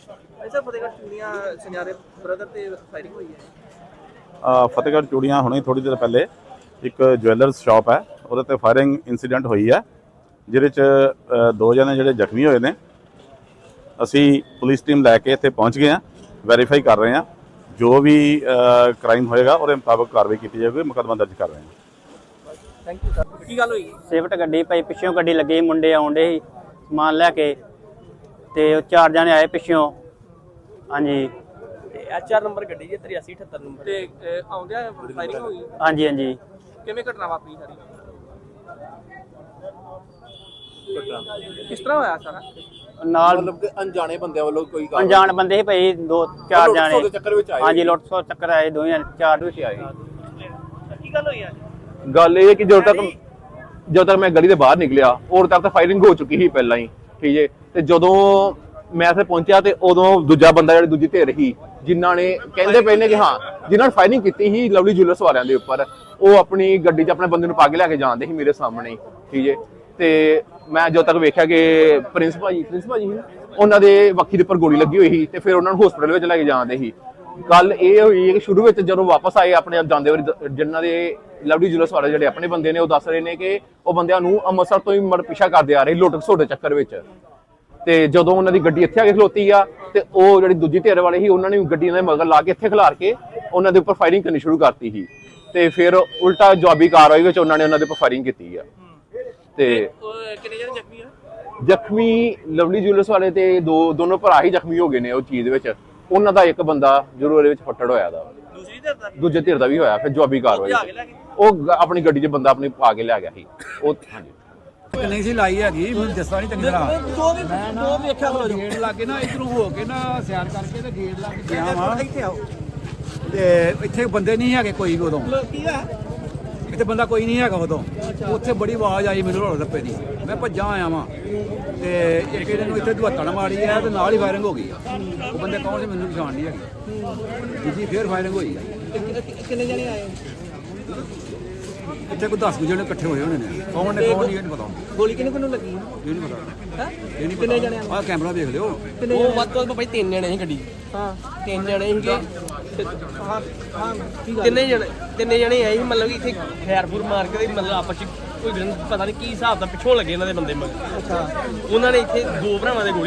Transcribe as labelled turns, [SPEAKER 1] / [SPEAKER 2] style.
[SPEAKER 1] ऐसा फतेहगढ़ चूड़ियां सुनहरे ब्रदर ते फायरिंग हुई है।
[SPEAKER 2] ਫਤਿਹਗੜ੍ਹ ਚੂੜੀਆਂ ਹੁਣੇ ਥੋੜੀ ਦੇਰ ਪਹਿਲੇ ਇੱਕ ਜਵੈਲਰਸ ਸ਼ਾਪ ਹੈ ਉਹਦੇ ਤੇ ਫਾਇਰਿੰਗ ਇਨਸੀਡੈਂਟ ਹੋਈ ਹੈ ਜਿਹਦੇ ਚ ਦੋ ਜਣੇ ਜਿਹੜੇ ਜ਼ਖਮੀ ਹੋਏ ਨੇ। ਅਸੀਂ ਪੁਲਿਸ ਟੀਮ ਲੈ ਕੇ ਇੱਥੇ ਪਹੁੰਚ ਗਏ ਹਾਂ, ਵੈਰੀਫਾਈ ਕਰ ਰਹੇ ਹਾਂ, ਜੋ ਵੀ ਕ੍ਰਾਈਮ ਹੋਏਗਾ ਉਹਦੇ ਮੁਤਾਬਕ ਕਾਰਵਾਈ ਕੀਤੀ ਜਾਏਗੀ, ਮੁਕੱਦਮਾ ਦਰਜ ਕਰ ਰਹੇ ਹਾਂ।
[SPEAKER 1] Thank you sir. की गल हुई?
[SPEAKER 3] ਸਿਫਟ ਗੱਡੀ ਭਾਈ ਪਿੱਛੋਂ ਗੱਡੀ ਲੱਗੀ, ਮੁੰਡੇ ਆਉਂਦੇ ਸੀ ਸਮਾਨ ਲੈ ਕੇ ਤੇ ਉਹ 4 ਜਣੇ ਆਏ ਪਿੱਛੋਂ। ਹਾਂਜੀ
[SPEAKER 1] HR ਨੰਬਰ ਗੱਡੀ ਜੀ 8378 ਨੰਬਰ ਤੇ ਆਉਂਦਿਆਂ ਫਾਇਰਿੰਗ ਹੋਈ।
[SPEAKER 3] ਹਾਂਜੀ ਹਾਂਜੀ
[SPEAKER 1] ਕਿਵੇਂ ਘਟਨਾ ਵਾਪਰੀ ਸਾਰੀ? ਕਿਸ ਤਰ੍ਹਾਂ ਹੋਇਆ ਸਾਰਾ?
[SPEAKER 3] ਨਾਲ
[SPEAKER 4] मतलब कि अनजाने बंदे वालों कोई
[SPEAKER 3] ਅਣਜਾਣ ਬੰਦੇ ਸੀ ਭਾਈ 2-4
[SPEAKER 4] ਲੁੱਟ-ਖਸੁੱਟ
[SPEAKER 3] ਜਣੇ।
[SPEAKER 4] ਦੇ ਚੱਕਰ ਵਿੱਚ ਆਏ।
[SPEAKER 3] ਹਾਂਜੀ ਲੁੱਟ ਖਸੁੱਟ ਚੱਕਰ ਆਏ, 2 ਜਣੇ 4 ਵਿੱਚ ਆਏ।
[SPEAKER 1] ਕੀ ਗੱਲ ਹੋਈ ਅੱਜ?
[SPEAKER 4] ਗੱਲ ਇਹ ਕਿ ਜਦੋਂ ਤੱਕ ਮੈਂ ਗਲੀ ਦੇ ਬਾਹਰ ਨਿਕਲਿਆ ਉਦੋਂ ਤੱਕ ਤਾਂ ਫਾਇਰਿੰਗ ਹੋ ਚੁੱਕੀ ਸੀ ਪਹਿਲਾਂ ਹੀ, ਠੀਕ ਹੈ। ਤੇ ਜਦੋਂ ਮੈਂ ਇੱਥੇ ਪਹੁੰਚਿਆ ਤੇ ਉਦੋਂ ਦੂਜਾ ਬੰਦਾ ਜਿਹੜੀ ਦੂਜੀ ਧਿਰ ਸੀ ਜਿਨ੍ਹਾਂ ਨੇ ਕਹਿੰਦੇ ਪਏ ਨੇ ਕਿ ਹਾਂ ਜਿਨ੍ਹਾਂ ਨੇ ਫਾਇਰਿੰਗ ਕੀਤੀ ਸੀ ਲਵਲੀ ਜੁਐਲਰਸ ਵਾਲਿਆਂ ਦੇ ਉੱਪਰ, ਉਹ ਆਪਣੀ ਗੱਡੀ 'ਚ ਆਪਣੇ ਬੰਦੇ ਨੂੰ ਪਾ ਕੇ ਲੈ ਕੇ ਜਾਂਦੇ ਸੀ ਮੇਰੇ ਸਾਹਮਣੇ, ਠੀਕ ਹੈ। ਤੇ ਮੈਂ ਜਦੋਂ ਤੱਕ ਵੇਖਿਆ ਕਿ ਪ੍ਰਿੰਸ ਭਾਜੀ ਉਹਨਾਂ ਦੇ ਵੱਖੀ ਦੇ ਉੱਪਰ ਗੋਲੀ ਲੱਗੀ ਹੋਈ ਸੀ ਤੇ ਫਿਰ ਉਹਨਾਂ ਨੂੰ ਹਸਪੀਟਲ ਵਿੱਚ ਲੈ ਕੇ ਜਾਂਦੇ ਸੀ। ਗੱਲ ਇਹ ਹੋਈ ਕਿ ਸ਼ੁਰੂ ਵਿੱਚ ਜਦੋਂ ਵਾਪਸ ਆਏ ਆਪਣੇ ਆਪ ਜਾਂਦੇ ਵਾਰੀ ਜਿਨ੍ਹਾਂ ਦੇ ਲਵਲੀ ਜੁਐਲਰਸ ਵਾਲੇ ਜਿਹੜੇ ਆਪਣੇ ਬੰਦੇ ਨੇ ਉਹ ਦੱਸ ਰਹੇ ਨੇ ਕਿ ਉਹ ਬੰਦਿਆਂ ਨੂੰ ਅੰਮ੍ਰਿਤਸਰ ਤੋਂ ਹੀ ਪਿੱਛਾ ਕਰਦੇ ਆ ਰਹੇ ਲੁੱਟ ਖਸੁੱਟ ਦੇ ਚੱਕਰ ਵਿੱਚ। ਤੇ ਜਦੋਂ ਉਹਨਾਂ ਦੀ ਗੱਡੀ ਇੱਥੇ ਆ ਕੇ ਖਲੋਤੀ ਆ ਤੇ ਉਹ ਜਿਹੜੀ ਦੂਜੀ ਧਿਰ ਵਾਲੇ ਸੀ ਉਹਨਾਂ ਨੇ ਗੱਡੀਆਂ ਦੇ ਮਗਰ ਲਾ ਕੇ ਇੱਥੇ ਖਿਲਾਰ ਕੇ ਉਹਨਾਂ ਦੇ ਉੱਪਰ ਫਾਇਰਿੰਗ ਕਰਨੀ ਸ਼ੁਰੂ ਕਰਤੀ ਸੀ ਤੇ ਫਿਰ ਉਲਟਾ ਜਵਾਬੀ ਕਾਰਵਾਈ ਵਿੱਚ ਉਹਨਾਂ ਨੇ ਉਹਨਾਂ ਦੇ ਉੱਪਰ ਫਾਇਰਿੰਗ ਕੀਤੀ ਆ। ਤੇ
[SPEAKER 1] ਕਿੰਨੇ ਜਣੇ ਜ਼ਖਮੀ ਆ?
[SPEAKER 4] ਜ਼ਖਮੀ ਲਵਲੀ ਜੁਐਲਰਸ ਵਾਲੇ ਤੇ ਦੋਨੋਂ ਭਰਾ ਹੀ ਜ਼ਖਮੀ ਹੋ ਗਏ ਨੇ ਉਹ ਚੀਜ਼ ਵਿੱਚ। ਉਹਨਾਂ ਦਾ ਇੱਕ ਬੰਦਾ ਜ਼ਰੂਰ ਇਹਦੇ ਵਿੱਚ ਫੱਟੜ ਹੋਇਆ ਦਾ,
[SPEAKER 1] ਦੂਸਰੀ ਧਿਰ ਦਾ
[SPEAKER 4] ਦੂਜੇ ਧਿਰ ਦਾ ਵੀ ਹੋਇਆ। ਫਿਰ ਜਵਾਬੀ ਕਾਰਵਾਈ ਉਹ ਆਪਣੀ ਗੱਡੀ 'ਚ ਬੰਦਾ ਆਪਣੀ ਪਾ ਕੇ ਲੈ ਗਿਆ ਸੀ ਉਹ। ਹਾਂਜੀ
[SPEAKER 5] ਨਹੀਂ ਸੀ ਲਾਈ ਹੈਗੀ, ਮੈਨੂੰ ਦੱਸਦਾ ਨਹੀਂ ਚੰਗੀ ਤਰ੍ਹਾਂ।
[SPEAKER 1] ਦੋ ਵੇਖਿਆ ਖਲੋ ਜੋ
[SPEAKER 5] ਗੇਟ ਲਾ ਕੇ ਨਾ ਇਧਰੋਂ ਹੋ ਕੇ ਨਾ ਸਿਆਰ ਕਰਕੇ ਤੇ ਗੇਟ ਲਾ ਕੇ ਗਿਆ ਵਾ
[SPEAKER 1] ਇੱਥੇ ਆਓ।
[SPEAKER 5] ਤੇ ਇੱਥੇ ਬੰਦੇ ਨਹੀਂ ਹੈਗੇ ਕੋਈ ਵੀ ਉਦੋਂ,
[SPEAKER 1] ਕੀ ਆ?
[SPEAKER 5] ਇੱਥੇ ਬੰਦਾ ਕੋਈ ਨਹੀਂ ਹੈਗਾ ਉਦੋਂ। ਉੱਥੇ ਬੜੀ ਆਵਾਜ਼ ਆਈ ਮੈਨੂੰ ਰੋਲ ਰੱਪੇ ਦੀ, ਮੈਂ ਭੱਜਾਂ ਆਇਆ ਵਾਂ ਤੇ ਇੱਕ ਇਹਨਾਂ ਨੂੰ ਇੱਥੇ ਦੁਹੱਤਣ ਮਾਰੀ ਹੈ ਤੇ ਨਾਲ ਹੀ ਫਾਇਰਿੰਗ ਹੋ ਗਈ ਆ। ਉਹ ਬੰਦੇ ਕੌਣ ਸੀ ਮੈਨੂੰ ਪਛਾਣ ਨਹੀਂ ਹੈਗੀ। ਦੂਜੀ ਫੇਰ ਫਾਇਰਿੰਗ ਹੋਈ ਆ।
[SPEAKER 1] ਕਿੰਨੇ ਜਣੇ ਆਏ?
[SPEAKER 5] ਇੱਥੇ ਕੋਈ 10 ਜਣੇ ਇਕੱਠੇ ਹੋਏ ਹੋਣੇ ਨੇ, ਕੌਣ ਨੇ ਕੌਣ ਨਹੀਂ ਇਹ ਨਹੀਂ ਪਤਾ।
[SPEAKER 1] ਗੋਲੀ ਕਿਹਨੂੰ ਲੱਗੀ?
[SPEAKER 5] ਇਹ ਨਹੀਂ ਪਤਾ,
[SPEAKER 1] ਹੈ
[SPEAKER 5] ਇਹ ਨਹੀਂ
[SPEAKER 1] ਕਿੰਨੇ
[SPEAKER 5] ਪਤਾ।
[SPEAKER 1] ਜਣੇ
[SPEAKER 5] ਆਹ ਕੈਮਰਾ ਵੇਖ ਲਿਓ।
[SPEAKER 1] ਉਹ ਵੱਧ ਤੋਂ ਵੱਧ ਭਾਈ 3 ਜਣੇ ਸੀ ਗੱਡੀ। ਹਾਂ 3 ਜਣੇ ਸੀਗੇ। ਹਾਂ ਹਾਂ ਤਿੰਨੇ ਜਣੇ ਆਏ ਸੀ, ਮਤਲਬ ਕਿ ਇੱਥੇ ਖੈਰਪੁਰ ਮਾਰ ਕੇ ਮਤਲਬ ਆਪਸ ਚ ਕੋਈ ਪਤਾ ਨਹੀਂ ਕੀ ਹਿਸਾਬ ਦਾ ਪਿੱਛੋਂ ਲੱਗੇ ਇਹਨਾਂ ਦੇ ਬੰਦੇ ਮਗਰ। ਅੱਛਾ ਉਹਨਾਂ ਨੇ ਇੱਥੇ 2 ਭਰਾਵਾਂ ਦੇ